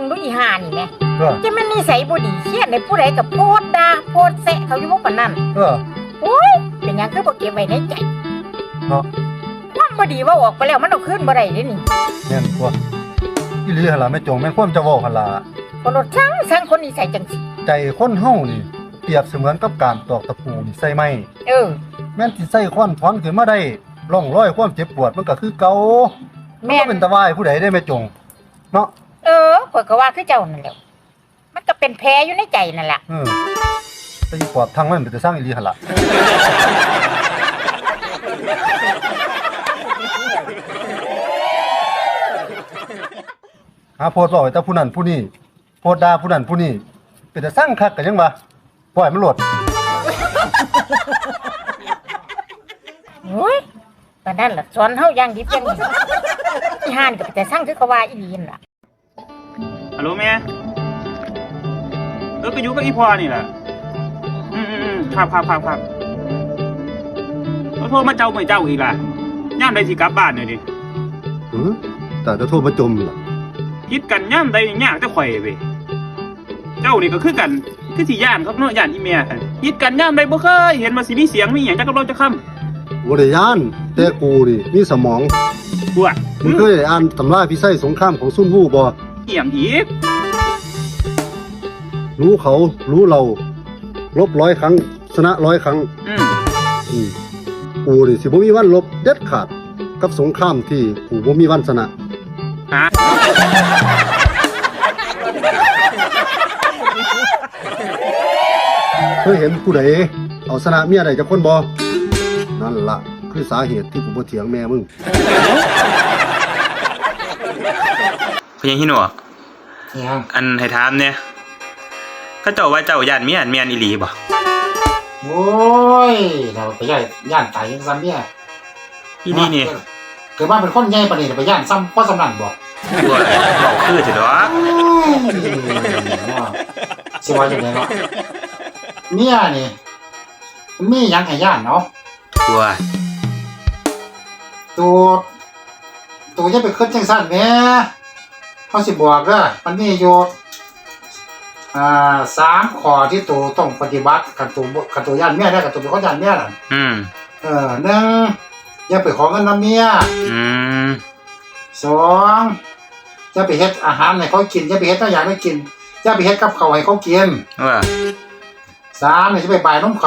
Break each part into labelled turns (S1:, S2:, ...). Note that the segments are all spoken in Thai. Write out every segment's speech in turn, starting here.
S1: งดูอีห่านี่แม่
S2: จะ
S1: มันนิสัยบ่ดีเครียดในผู้ใดกับโพดด่าโพดแซะเขาอยู่บ่ปานนั้นโอ้ยเป็นหยังคือบ่เก็บไว้ในใจ
S2: เนาะ
S1: ความบ่ดีว่าออกไปแล้วมันเอาคืนบ่ได้เด้นี่
S2: แม่นกว่าอีหลีหั่นล่ะแม่จงแม่นความจะเว้าหั่นล่ะ
S1: บ่ลดช่างคนนิสัยจังซี่
S2: ใจคนเฮานี่เปรียบเสมือนกับการตอกตะปูนี่ใส่ไม้แม่นสิใส่ค้อนถอนขึ้นมาได้ร่องรอยความเจ็บปวดมันก็คือเก่าแม่นเป็นตะวายผู้ใดได้แม่จงเนาะ
S1: ข้อยก็ว่าคือเจ้านั่นแหละมันก็เป็นแผลอยู่ในใจนั่นล่ะ
S2: แต่อีปอบทางมันเป็นแต่สร้างอีหลีหั่นล่ะโพดเว้าไว้แต่ผู้นั้นผู้นี้โพดด่าผู้นั้นผู้นี้เป็นแต่สร้างคักก็ยังว่าปล่อยมันโลด
S1: โอ้ยปานนั้นล่ะสอนเฮาอย่างดิบอย่างดีอีห่านก็เป็นแต่สร้างคือเขาว่าอีหลีนั่นล่ะ
S3: ฮัลโหลแม่ก็อยู่กับอีพ่อนี่แหละครับเขาโทรมาเจ้าไม่เจ้าอีกล่ะย่ามใดสิกลับบ้านหน่อยดิ
S2: แต่จะโทรมาจมล่ะ
S3: คิดกันย่ามใดยากจะข่อยเว้ยเจ้านี่ก็คือกันคือสิย่านครับเนาะย่านอีเมียกันคิดกันย่ามใดบ่เคยเห็นว่าสิมีเสียงมีหยังจักกับเราจะค้ำ
S2: บ่ได้ย่านแต่กูนี่มีสมอง
S3: กูอ่ะ
S2: มึงเคยอ่านตำราพิไสสงครามของซุนวู่บ่
S3: เอี่ยมอีก
S2: รู้เขารู้เราลบ100 ครั้งชนะ100 ครั้งกูนี่สิบ่มีวันลบเด็ดขาดกับสงครามที่กูบ่มีวันชนะเคยเห็นผู้ใดเอาชนะเมียใดจักคนบ่นั่นล่ะคือสาเหตุที่กูบ่เถียงแม่มึง
S3: พยังหิหนวกอันให้ถามเนี่ยเขาเจ้าว่าเจ้าย่านเมียนอีหลีบ่
S4: โอ้ยเราไปย่านตายยังซ้ำเนี่ย
S3: อีนี่นี่
S4: เกิดว่าเป็นคนใหญ่ปานนี้ไปย่านซ้ำเพราะสำนันบ่
S3: บอกคือเถอะดอก
S4: สิว่าจังได๋เนาะเมียนี่มีหยังให้ย่านเนาะตัวจะไปคิดจังซั่นแหมเขาสิบอกเด้อมันมีอยู่3 ข้อที่ตัวต้องปฏิบัติกับตัวย่านเมียได้กับตัวเป็นคนย่านเมียน่ะ1อย่าไปขอเงินนำเมีย2อย่าไปเฮ็ดอาหารให้เขากินอย่าไปเฮ็ดอย่างให้กินอย่าไปเฮ็ดกับข้าวให้เขากิน3นี่จะไปบ่ายนมเขา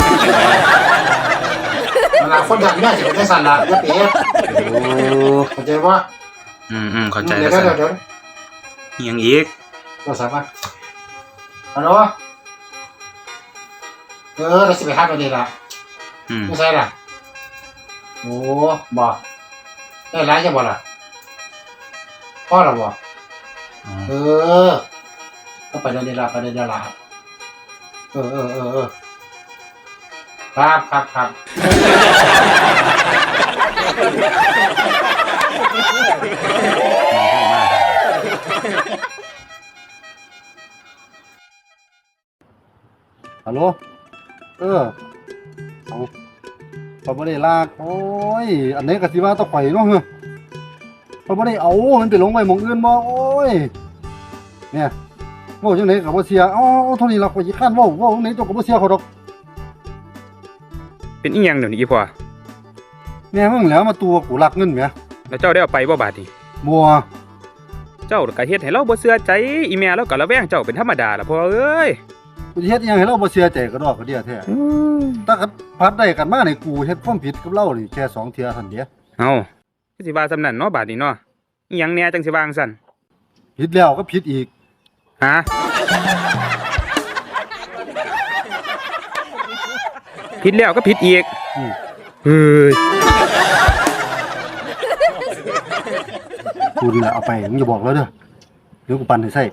S4: เวลาคนย่านเมียสิเป็นจังซั่นล่ะอย่าไปเฮ็ดเข้าใจบ่
S3: เข้าใจแล้วเดี๋ยวยังอีก
S4: เราสามารถฮัลโหลเราสิไปหาตัวนี้ล่ะไม่ใช่ล่ะโอ้บอกได้ร้ายจะบอกล่ะพ่อเราบอกก็ไปเดินล่ะครับ
S2: ฮัลโหลเขาบ่ได้ลากโอ้ยอันนี้ก็สิว่าต้องข่อยเนาะเขาบ่ได้เอามันไปลงไว้หม้องอื่นบ่โอ้ยเนี่ยเว้าจังได๋ก็บ่เสียเอาเท่านี้ล่ะข่อยสิค้านเว้าจังได๋เจ้าก็บ่เสียเขาดอก
S3: เป็นอีหยังเดี๋ยวนี้อีพ่อ
S2: แม่มึงแล้วมาตัวกูลักเงินแหม
S3: แล้วเจ้าได้เอาไปบ่บาดนี้
S2: บ่
S3: เจ้าก็เฮ็ดให้เราบ่เชื่อใจอีแม่เราก็ระแวงเจ้าเป็นธรรมดาล่ะพ่อเอ้ย
S2: กูเฮ็ดอีหยังให้เราบ่เชื่อใจก็ดอกก็เดียแท้ถ้าพัดได้กันมานี่กูเฮ็ดความผิดกับเรานี่แค่2 เทื่อซั่นเด้
S3: เอ้าคือสิว่าซำนั้นเนาะบาดนี้เนาะอีหยังแหน่จังสิว่าจังซั่น
S2: ผิดแล้วก็ผิดอีก
S3: ฮะผิดแล้วก็ผิดอีกเฮ้ย
S2: กูนี่แหละเอาไปมึงอย่าบอกแล้วเด้อเดี๋ยวกูปั่นให้ใส่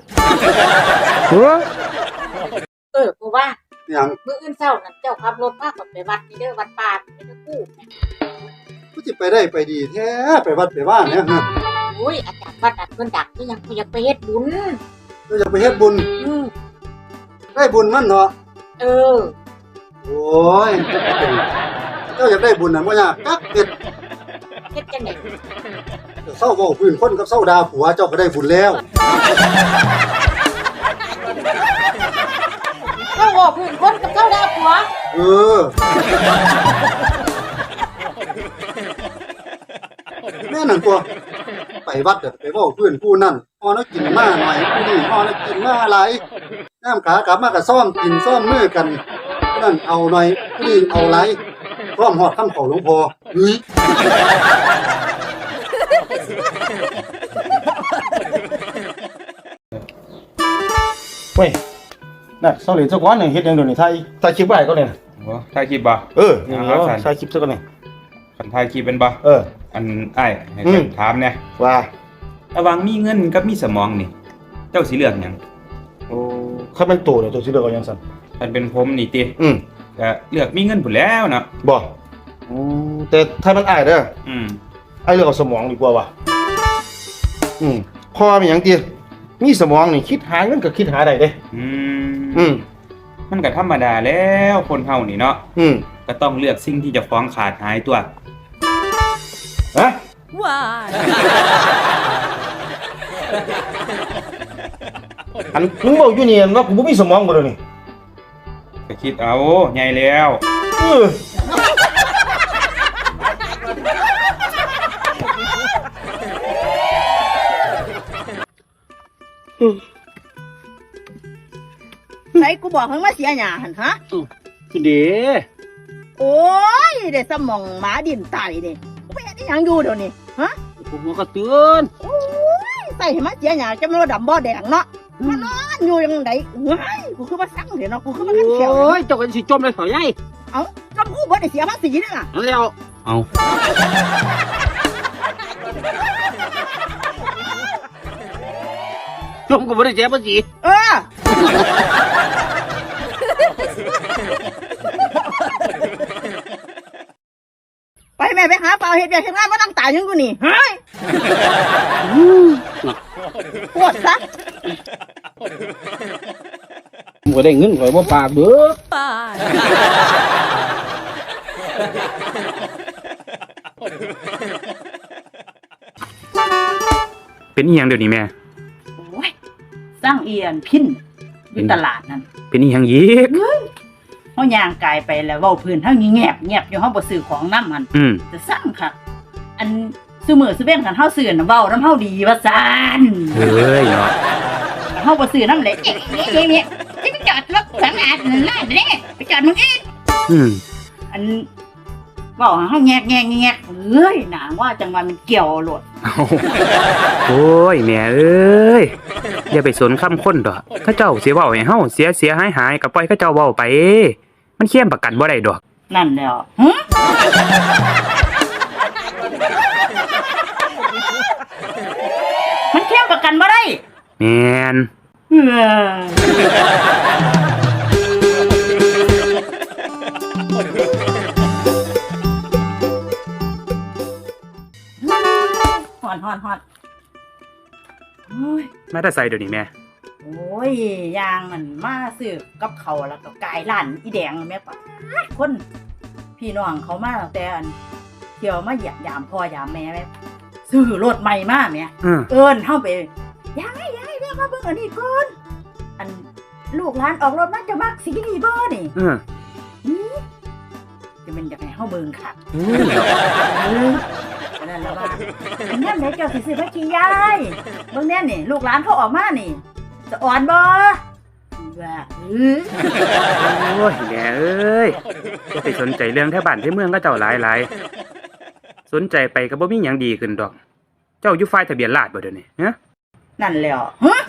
S1: กูว่า
S2: หยัง
S1: มื้ออื่นเช้านั่นเจ้าขับรถพาไปวัดนี่เด้อวัดป่าไปเด้อ
S2: กูสิไปได้ไปดีแท้ไปวัดไปบ้านเนี่ย
S1: โอ้ยอาจารย์วัดเพิ่นดักนี่ยังกูอยากไปเฮ็ดบุญ
S2: อยากไปเฮ็ดบุญได้บุญมันเนาะโอ้ยเจ้าอยากได้บุญน่ะบ่ยากกักเฮ็ด
S1: จังได๋
S2: เศร้าเว้าพื้นคนกับเศร้าด่าผัวเจ้าก็ได้บุญแล้ว
S1: เจ้าบอกพื้นคนกับเจ้าดาผัว
S2: เออแม่นั่นตัวไปวัดเด้อไปเว้าพื้นผู้นั่นพอแล้วกินมาหน่อยผู้นี้พอแล้วกินมาหลายน้ำขากลับมาก็ซ่อมกินซ่อมมือกันผู้นั่นเอาหน่อยผู้นี้เอาหลายพร้อมฮอดคำขอหลวงพ่อเฮ้ย
S5: เว้ยน่ะเสาเหรียญสักก้อนหนึ่งเฮ็ดหยังเดี๋ยวนี้ถ่ายคลิปไว้ก็เนี่ย
S3: โอ้ถ่ายคลิปบ่
S5: เออนี่ถ่ายคลิปซะก่อนนี่
S3: คันถ่ายคลิปเป็นบ่
S5: เออ
S3: อันอ้ายให้กันถามแหน่
S5: ว่า
S3: ระหว่างมีเงินกับมีสมองนี่ เจ้าสิเลือกหยัง
S5: โอ้คันมันโตเนี่ยตัวสิเลือกเอาหยังซั่น
S3: คันเป็นผมนี่ติ
S5: อืม
S3: ก็เลือกมีเงินพุ่นแล้วเนาะ
S5: บ่แต่ถ้ามันอ้ายเด้อ
S3: อืม
S5: อ้ายเลือกเอาสมองดีกว่าว่ะพอมีหยังติมีสมองนี่คิดหาเงินก็คิดหาได้เด้
S3: อืมมันก็ธรรมดาแล้วคนเฮานี่เนาะ ก็ต้องเลือกสิ่งที่จะฟ้องขาดหายตัว
S5: ฮะ
S6: Why?
S5: อันมึงเว้าอยู่นี่ว่ากูบ่มีสมองบ่เดี๋ยวนี้
S3: ก็คิดเอาใหญ่แล้ว
S5: เออ
S6: ไหนกูบอกให้มาเสียหยาหันฮะ
S7: คือเด้
S6: โอ้ยได้สมองหมาดินไตนี่กูไปเฮ็ดอีหยังอยู่เดี๋ยวนี้ฮะ
S7: ผมก็เตือน
S6: โอ้ยใส่ให้มาเสียหยาจะมาดำบ่แดงเนาะมานอนอยู่ยังไงเฮ้ยกูคือมาสั่งเดี๋ยวเนาะกูคือมาขันเขียว
S7: โอ้ยเจ้ากันสิจมเลยเขาใหญ่
S6: เอ้าจำกูบ่ได้เสียภาษีนี่ล่ะ
S7: นั่นแล้วเอาจมก็บ่ได้เจ็บบ่สิ
S6: เออไปแม่ไปหาเปล่าเฮ็ดเวียกเฮ็ดงานมาตั้งตายยังกูนี่เฮ้ยปวดซะ
S7: บ่ได้เงินข่อยบ่ปากเด้อ
S6: Bye.
S3: เป็นอีหยังเดี๋ยวนี้แม่
S6: โอ้ยสร้างเอียนพินอยู่ตลาดนั่น
S3: เป็นอีหยังอีก
S6: เฮาย่างกายไปแล้วเว้าพื้นเฮาเงียบเงียบอยู่เฮาบ่ซื้อของนำหั่น
S3: อืม
S6: จะสร้างค่ะ อันซื้อมื้อซื้อเว้นกันเฮาซื้อน่ะเว้านำเฮาดีว่าซั่น
S3: เฮ้ยเนาะ
S6: เฮาบ่ซื้อนำเลยเนี่ยจะไปจอดรถสามารถนั่นล่ะเด้ไปจอดมึงอีก
S3: อืม
S6: อันเว้าเฮาแงกเอ้ยหนาว่าจังว่ามันเกี่ยวโลด
S3: โอ้ยแม่เอ้ยอย่าไปสนคำคนดอกเขาเจ้าสิเว้าให้เฮาเสียหายก็ปล่อยเขาเจ้าเว้าไป มันเคียมประกันบ่ได้ดอก
S6: นั่นแล้วหึมันเข้มประกันบ่ได้
S3: แม่น
S6: เฮ้ยฮอดโอ้ย
S3: มาแต่ใส่เดี๋ยวนี้แม่
S6: โอ้ยยางมันมาซื้อกับเขาวแล้วก็กายร้านอีแดงแม่ป้าดคนพี่น้องเขามาตั้งแต่อันเที่ยวมาเหยียบยามพ่อยามแม่แม่ซื้อรถใหม่มาแม่
S3: อืม
S6: เอิ้นเฮาไปยายแม่มาเบิ่งอันนี้ก่อนอันลูกหลานออกรถมาจะมักสีนี่บ่นี่
S3: อืม
S6: จะเป็นอยากให้เฮาเบิ่งค่ะ
S3: อืม
S6: นั่นล่ะว่าอันนั้นไหนเจ้าสิซื้อมากี่ยายเบิ่งแน่นี่ลูกหลานเขาออกมานี่จะอ่อนบ่ว่า
S3: โอ้ยแม่เอ้ยอย่าไปสนใจเรื่องแถวบ้านที่เมืองก็เจ้าหลายสนใจไปก็บ่มีหยังดีขึ้นดอก เจ้าอยู่ฝ่ายทะเบียนราษฎร์บ่เดี๋ยวนี้ฮะ
S6: นั่นแล้วฮะ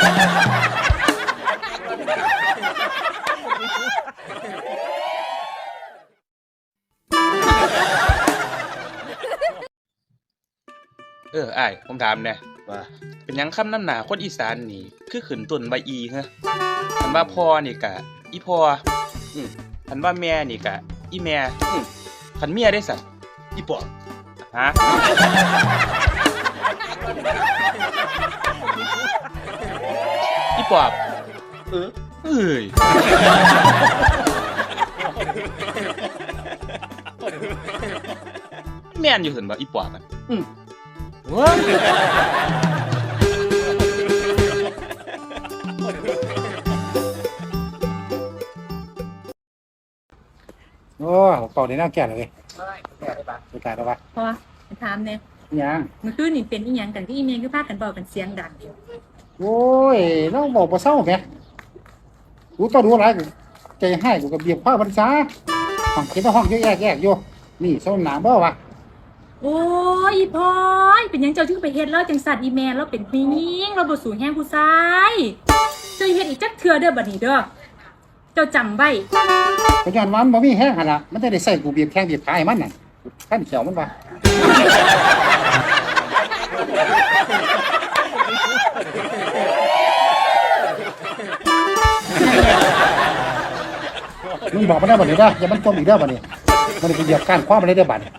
S3: อ้ายผมถามแน่
S5: ว่า
S3: เป็นหยังคำน้ำหนาคนอีสานนี่คือขึ้นต้นใบอีฮะคันว่าพ่อนี่กะอีพ่อคันว่าแม่นี่กะอีแม่คันเมียได้สัตว์
S5: อีปอบ
S3: ฮะอีปอบเอ้ยแม่นอยู่เห็นบ่อีปอบมัน
S4: โอ้ยโอ้เป่าในน้ำแก่เลยสุดท้ายแล้ววะ
S8: พอถามเนี่ย
S4: ยัง
S8: เมื่อคืนนี่เป็นอีหยังกันที่อีเมลคือพากันบอกกันเสียงดัง
S4: โอ้ยน้องบอกบ่เศร้าแหมกูต้องดูอะไรกูใจให้กูกับเบียบข้าวพรรษาห้องเก็บห้องเยอะแยกอยู่นี่ส้มหนามบ่วะ
S8: โอ้ยอีพอยเป็นหยังเจ้าที่ไปเฮ็ดแล้วจังสัตว์อีเมลแล้วเป็นผู้หญิงเราบ่สูงแห้งผู้ชายเจ้าเฮ็ดอีกจักเทื่อเด้อบัดนี้เด้อเจ้าจำไว้
S4: ปัจจุบันมันบ่มีแห้งหั่นล่ะมันจะได้ใส่กูเบียบแข้งเบียบขาให้มันน่ะท่านเขียวมันว่ามึงบอกมันได้บ่นี่เด้ออย่ามันจมอีกเด้อบ่นี่มันไปเหยียบก้านคว้ามันได้เด้อบัดนี้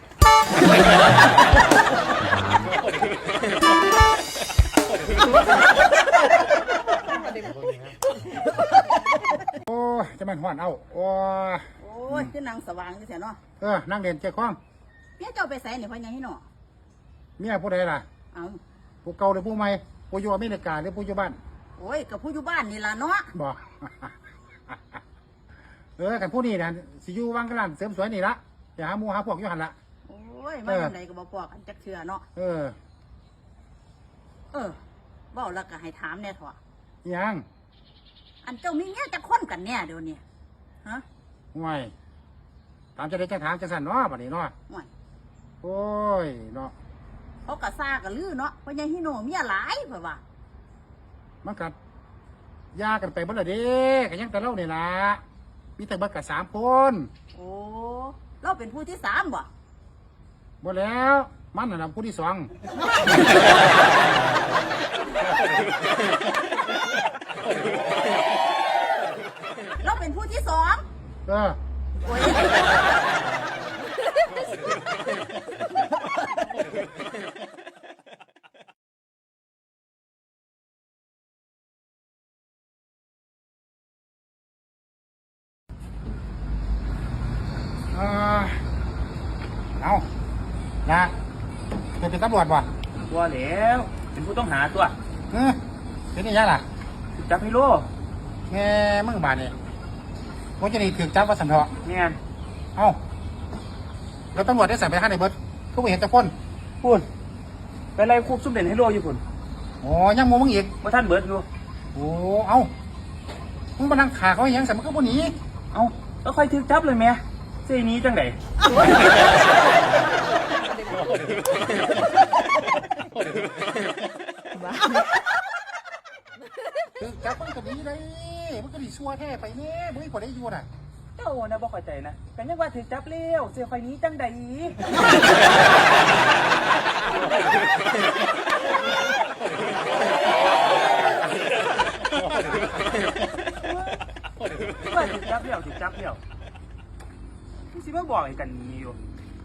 S4: โอ้ยจะมันฮ้อนเอาโอ้ย
S6: โอ้ยคือนางสว่างอยู่แท้เนาะ
S4: นั่งเรียนใจคล้อง
S6: เมียเจ้าไปไสนี่พ่อใหญ่ให้เนาะ
S4: เมียผู้ใดล่ะ
S6: เอา
S4: ผู้เก่าหรือผู้ใหม่ผู้อยู่อเมริกาหรือผู้อยู่บ้าน
S6: โอ้ยกับผู้อยู่บ้านนี่ล่ะเนาะ
S4: บอก กันผู้นี้นะสิอยู่วังกะลันเสริมสวยนี่ละอย่าหาหมูหาพวกอยู่หันละ
S6: โอ้ยมาจังไดก็บ่ปอกกันจักเทื่อเนาะ
S4: เออ
S6: เว้าแล้วก็ให้ถามแน่เถอะ
S4: ยัง
S6: อันเจ้ามีเมียจักคนกันแน่เดี๋ยวนี้ฮะ
S4: ห่วยถามจะได้จะถามจะสั่นเนาะบัดนี้เนาะ
S6: ห่วย
S4: โอ้ยเนาะ
S6: เขาก็ซ่ากันลือเนาะพ่อใหญ่ฮิโนเมียหลายเพิ่นว่า
S4: มันกัดยากันไปบ่ละเด้กันยังแต่เล่าเนี่ยล่ะมีแต่เบิดกับ3 คน
S6: โอ้เราเป็นผู้ที่3บ่
S4: บ่แล้วมันน่ะผู้ที่ 2
S6: เราเป็นผู้ที่2
S4: เออ
S6: โอ้ย
S4: เอานะเป็นตำรวจบ่
S3: ว่าแล้วเป็นผู้ต้องหาตัว
S4: เป็นนี่ยังล่ะ
S3: จับให้โล
S4: แม่มึงบาดนี่ผมจะนี่ถือจับว่าสันเถาะ
S3: แม่น
S4: เอ้าแล้วตำรวจได้สั่งไปห้าในเบิร์ดทุกเห็นจะพ่น
S3: พูนไปไล่ควบซุ่มเด่นให้โลอยู่พุ่น
S4: โอ้ยังโมมึงอีก
S3: ว่าท่านเบิดอยู่
S4: โอ้เอ้ามึงมานั่งขาเขาอย่างสั่งมันก็บ่หนี
S3: เอ้าแล้วค่อยถึกจับเลยแม่เสียนี้จังได
S4: ถือจับมันก็ดีเลยมันก็ดีชัวแท้ไปเนี่ยมึงไม่พอได้อยู่น่ะ
S3: เจ้านะบ่เข้าใจนะกันยังว่าถึกจับเร็วเสียไฟนี้จังไดว่าถึกจับเร็วมึงสิมาบอกให้กันนี้อยู่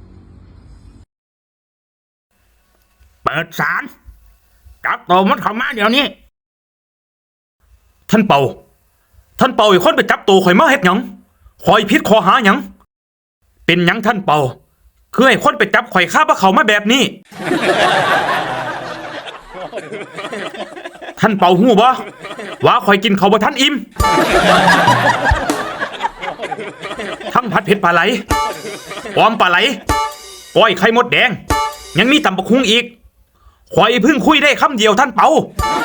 S9: เปิดศาลจับตัวมันเข้ามาเดี๋ยวนี้ ท่านเป่าอีกคนไปจับตัวข่อยมาเฮ็ดหยังข่อยผิดข้อหาหยังเป็นหยังท่านเป่าคือให้คนไปจับข่อยฆ่าพระเขามาแบบนี้ ท่านเป่าหู้บ่ว่าข่อยกินเขาวบ่ทันอิ่มทั้งผัดเผ็ดปลาไหลออมปลาไหลก้อยไข่มดแดงยังมีตำบักหุ่งอีกข่อยเพิ่งคุยได้คำเดียวท่านเปา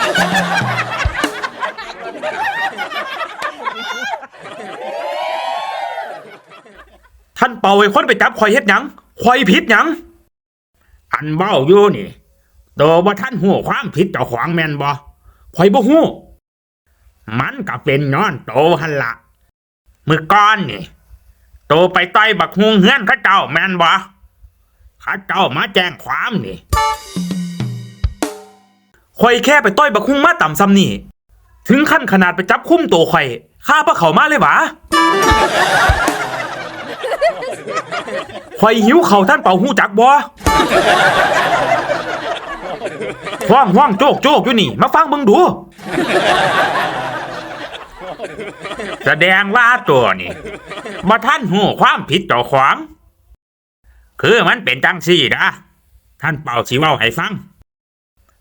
S9: ท่านเปาไอ้คนไปจับข่อยเฮ็ดหยังข่อยผิดหยังอันเบ้าอยู่นี่โตว่าท่านหู้ความผิดเจ้าของแม่นบ่ข่อยบ่ฮู้มันก็เป็นย้อนโตหั่นละมื้อก่อนนี่โตไปต่อยบักฮุงเฮือนเขาเจ้าแม่นบ่เขาเจ้ามาแจ้งความนี่ข่อยแค่ไปต่อยบักฮุงมาต่ำซ้ำนี่ถึงขั้นขนาดไปจับคุมตัวข่อยฆ่าพระเขามาเลยหวะข่อยหิวเข่าท่านเป่าหูจักบ่ห้องโจกอยู่นี่มาฟังเบิ่งดูแสดงว่าตัวนี่บ่ท่านหูความผิดเจ้าของคือมันเป็นจังซี่นะท่านเป่าสิเว้าให้ฟัง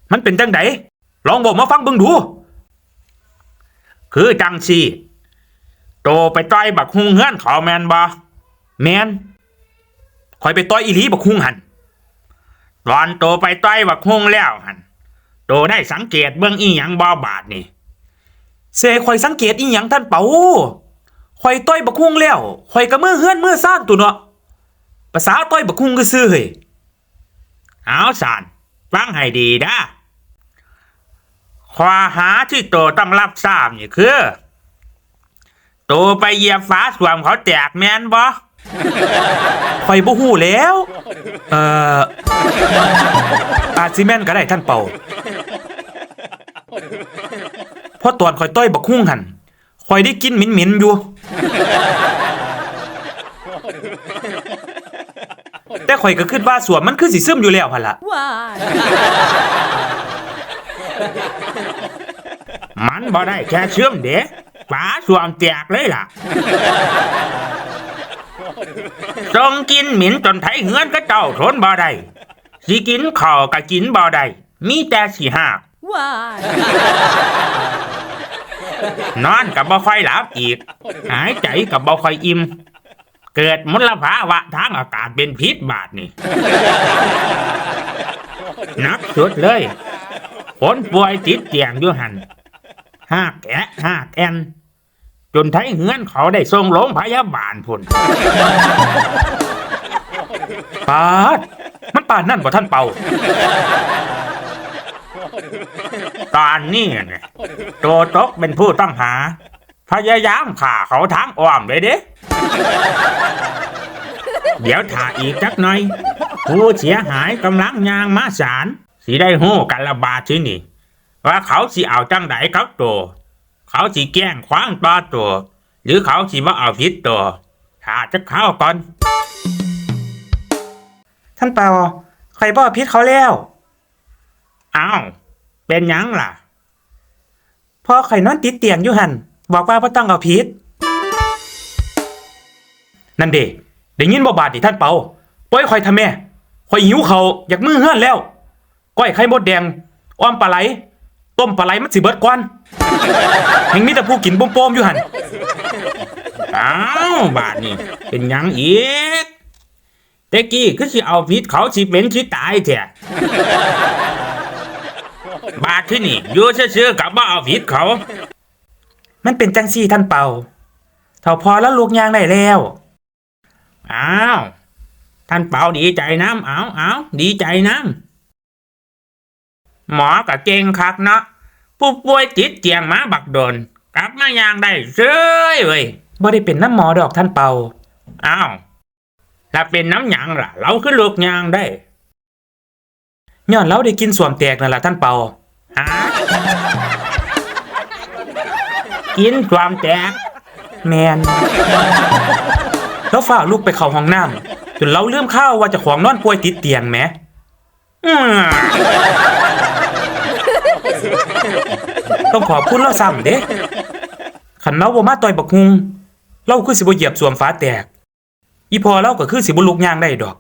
S9: มันเป็นจังไดลองบอกมาฟังเบิ่งดู คือจังซี่โตไปต่อยบักฮุงเฮือนเขาแม่นบ่แม่นข่อยไปต่อยอีหลีบักฮุงหั่นตอนโตไปต่อยบักฮุงแล้วหั่นโตได้สังเกตเบิ่งอีหยังบ่บาดนี่เสข่อยสังเกตอีหยังท่านเปาข่อยต่อยบักฮุงแล้วข่อยก็มือเฮือนมือซ่านตัวเนาะภาษาต่อยบักฮุงก็ซื่อเฮ้ยเอาสานฟังให้ดีนะข้อหาที่โตต้องรับทราบนี่คือโตไปเหยียบฝาส้วมเขาแตกแม่นบ่ข่อยบ่ฮู้แล้วอาจสิแม่นก็ได้ท่านเป่าเพราะตอนข่อยต้อยบักฮุ่งหั่นข่อยได้กินเหม็นๆอยู่แต่ข่อยก็คิดว่าส้วมมันคือสิซึมอยู่แล้วหั่นล่ะมันบ่ได้แค่เชื่อมเด้ฝาส้วมแตกเลยล่ะส่งกินหมิ่นจนไถเฮือนก็เจ้าทนบ่ได้สิกินข้าวก็กินบ่ได้มีแต่สิหากนอนก็บ่ค่อยหลับอีกหายใจก็บ่ค่อยอิ่มเกิดมลภาวะทางอากาศเป็นพิษบาดนี่หนักสุดเลยคนป่วยติดเตียงอยู่หั่นหากแกะหากแอนจนไทเฮือนเขาได้ส่งโรงพยาบาลพุ่นปาดมันปานนั่นบ่ท่านเป่าตอนนี้เนี่ยโตตกเป็นผู้ต้องหาพยายามฆ่าเขาทางอ้อมเลยเด้เดี๋ยวถ้าอีกจักหน่อยผู้เสียหายกำลังย่างมาศาลสิได้ฮู้กันละบาดที่นี่ว่าเขาสิเอาจังไดกับโตเขาสิแกล้งขวางต่อตัวหรือเขาสิว่าเอาผิดตัวถ้าจะเข้าก่อนท่านเปาใครบ่ผิดเขาแล้วอ้าวเป็นหยังล่ะพอไข่นอนติดเตียงอยู่หันบอกว่าบ่ต้องเอาผิดนั่นเด้ได้ยินบ่บาดดิท่านเปาปล่อยข่อยทำแม่ข่อยหิวเขาอยากมือเฮือนแล้วก้อยไข่มดแดงอ้อมปลาไหลต้มปลาไหลมันสิเบิดก่อนแห่งมีแต่ผู้กินโป้มๆอยู่หั่นอ้าวบาดนี่เป็นหยังอีกแต่กี้คือสิเอาผิดเขาสิเป็นสิตายแท้บาดที่นี่อยู่ซื่อๆกับบ่เอาผิดเขามันเป็นจังซี่ท่านเป่าเท่าพอแล้วลูกยางได้แล้วอ้าวท่านเป่าดีใจน้ำเอาดีใจน้ำหมอก็เก่งคักเนาะผู้ป่วยติดเตียงมาบักโดนกลับมายางได้เซ้ยเว้ยบ่ได้เป็นน้ำหมอดอกท่านเป่าอ้าวถ้าเป็นน้ำหยังล่ะเราคือลูกยางได้ย้อนเราได้กินส้วมแตกนั่นล่ะท่านเป่าฮะกินส้วมแตกแมนแล้วฝ่าลูกไปเข้าห้องน้ำจนเราลืมข้าวว่าจะของนอนป่วยติดเตียงแหมต้องขอบคุณเราซ้ำเด้ขันเราบ่มาต่อยบักฮุงเราคือสิบ่เหยียบส้วมฟ้าแตกอีพอเราก็คือสิบ่ลุกย่างได้ดอก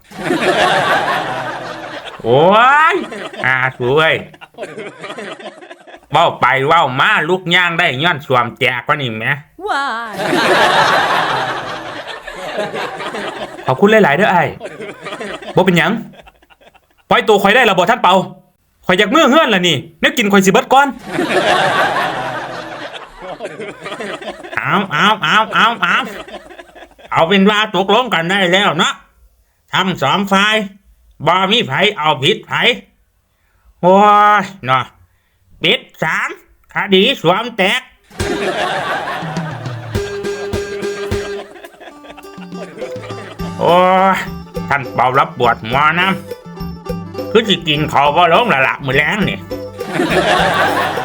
S9: โอ้ยสวยเว้าไปเว้ามาลุกย่างได้ย้อนส้วมแตกว่านี่แหมขอบคุณหลายๆเด้อไอ้บ่เป็นหยังปล่อยตัวข่อยได้แล้วบ่ท่านเปาข่อยอยากมื้อเฮือนล่ะนี่แนวกินข่อยสิเบิดก่อนเอาเป็นว่าตกลงกันได้แล้วเนาะทั้งสองฝ่ายบ่มีไผเอาผิดไผโอ้ยเนาะปิดศาลคดีส้วมแตกโอ้ยท่านเป่ารับปวดหัวนะคือสิกินข้าวบ่ลงละมื้อแลงนี่